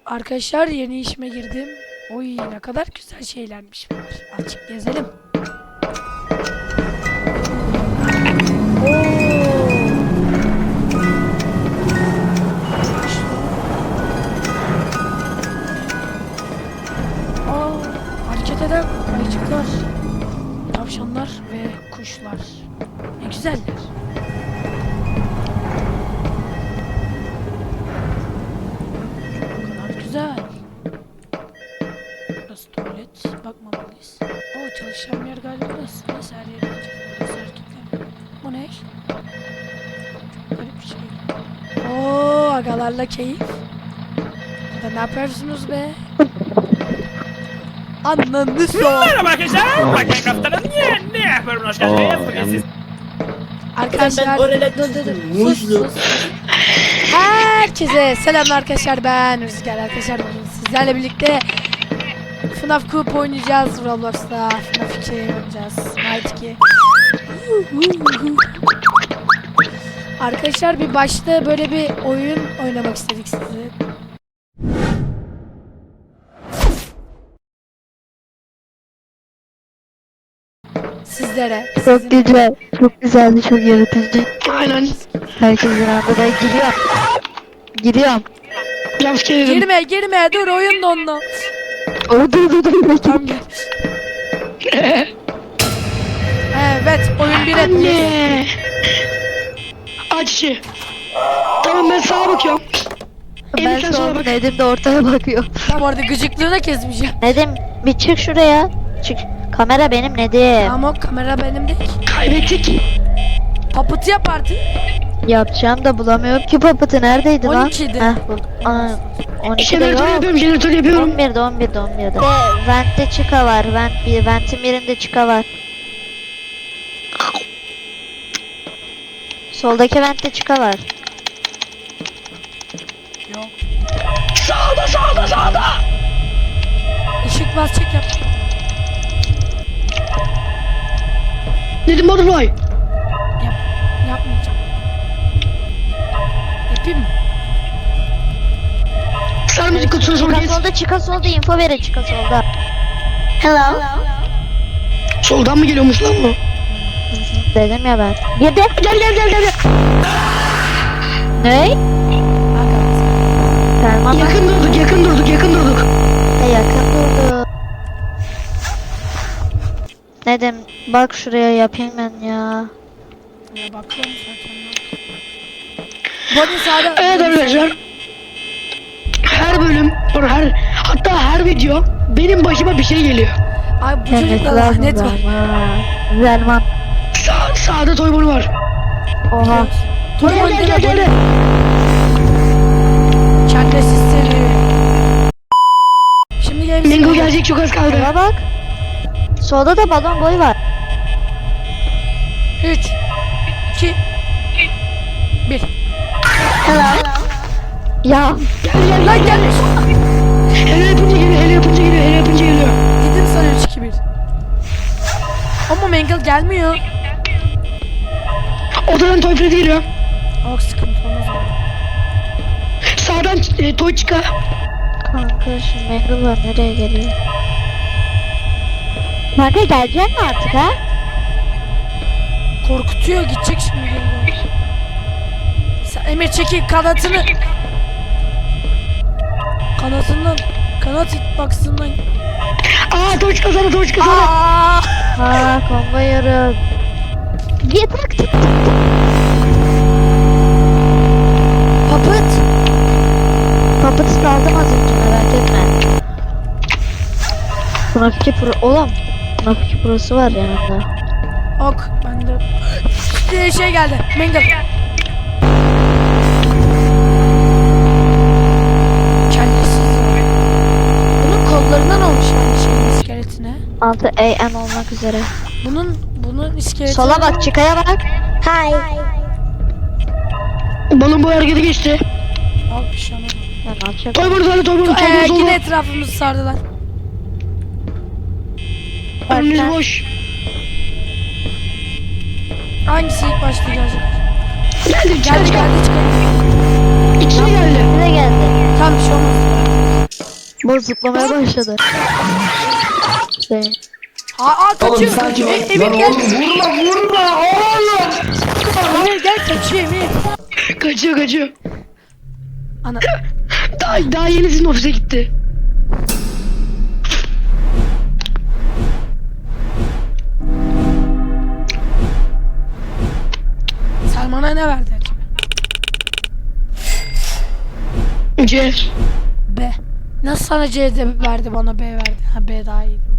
Arkadaşlar yeni işime girdim. Oy ne kadar güzel şeylermiş bunlar. Azıcık gezelim. Hareket eden ayıcıklar, tavşanlar ve kuşlar. Ne güzeller. Güzel. Burası tuvalet. Bakmamalıyız. Oo, çalışan yer galiba burası. Neyse her yere gideceğiz. Burası hareketler. Bu ne? Garip bir şey. Oo, agalarla keyif. Burada ne yapıyorsunuz be? Ananı sor. Merhaba arkadaşlar. Bakın kaptanım ne yapıyorum? Hoş geldiniz. Bugün siz... Arkadaşlar dur. Herkese selamlar arkadaşlar, ben Rüzgar. Arkadaşlar bugün sizlerle birlikte FNAF Coop oynayacağız. Roblox'ta FNAF 2 oynayacağız. Night 2. Arkadaşlar bir başta böyle bir oyun oynamak istedik size. Sizlere. Çok güzel, çok güzeldi, çok yaratıcı. Aynen. Herkesin anda ben giriyorum. Biraz gelirim. Girme dur, oyun dondu. Dur. Tamam gel. Evet, oyun bir etmiş. Anne. Aç işi. Tamam ben sağa bakıyorum. Ben Elif sen sola sonra bak. Nedim de ortaya bakıyor. Tam orada gıcıklığına kesmeyeceğim. Nedim bir çık şuraya. Çık. Kamera benim Nedim. Ama kamera benim değil. Kaybettik. Papıtı yap artık. Yapacağım da bulamıyorum ki papıtı neredeydi lan? 12'de. Heh buldum. Aa, 12'de Jeneratör yok. yapıyorum, jeneratör yapıyorum. 11'de. Vent'te çıka var. Vent'in birinde çıka var. Soldaki vent'te çıka var. Yok. Sağda. Işık bas çek yap. Dedim butterfly. Yapmayacağım. Yapayım mı? Sen müzik kutusuna sonra geç. Çıka solda info verin çıka solda. Hello. Soldan mı geliyormuş lan bu? Dedim ya ben. Girdi. Gel. Ne? Arkadaşlar. Selman Yakın durduk. yakın durdu. Nedim bak şuraya yapayım ben ya. Ya bakıyorum zaten. Body sağda. Evet arkadaşlar. Her bölüm, hatta her video benim başıma bir şey geliyor. Ay bu çocukta lanet var. Zelman. Sağda toybunu var. Oha. Gel. Kendisiz seni. Şimdi gel. Mingo gelecek, çok az kaldı. Eva bak. Solda da balon boy var. 3 2 1. Ya. Gel. Lan gelmiş. Hele yapınca geliyor. Gidin sana 3 2 1. Ama Mangle gelmiyor. Odadan toy Freddy geliyor. Oh, sıkıntı olmaz ama. Sağdan toy çıka. Kanka şu Mangle var nereye geliyor? Kanka gelecek mi artık ha? Korkutuyor, gidecek şimdi geri. Sen Emir çekil kanatını. Kanat hitbox'ından. Toy çıka sana. Aa! Ha combo yiyorum. Git bak. Papıt aldım az önce merak etme. FNAF 2 Pro oğlum. FNAF 2 Pro'su var yanında. Ok, bende. Şey geldi. Mangle. Kendisiz. Bunun kollarından olmuş yani şeyin iskeletine. 6 AM olmak üzere. Bunun iskeleti. Sola bak çıkaya bak. Balon boy hareketi geçti. Al bir şey olmadı. Ya ne yapacak? Toy bunu Yine solda. etrafımızı sardılar. Önünüz boş. Hangisi ilk başta gelecek? Geldi. Geldi çıkalım. İçine geldi. Bir de geldi. Tamam bir şey olmaz. Bu zıplamaya başladı. Şey. Kaçıyor. Oğlum sanki Emir lan gel. oğlum vurma oğlum. Emir gel kaçıyor Emir. Kaçıyor. Ana. Daha yeni sizin ofise gitti. Selman'a ne verdi acaba? C. B. Nasıl sana C de verdi bana B verdi? Ha B daha iyiydi.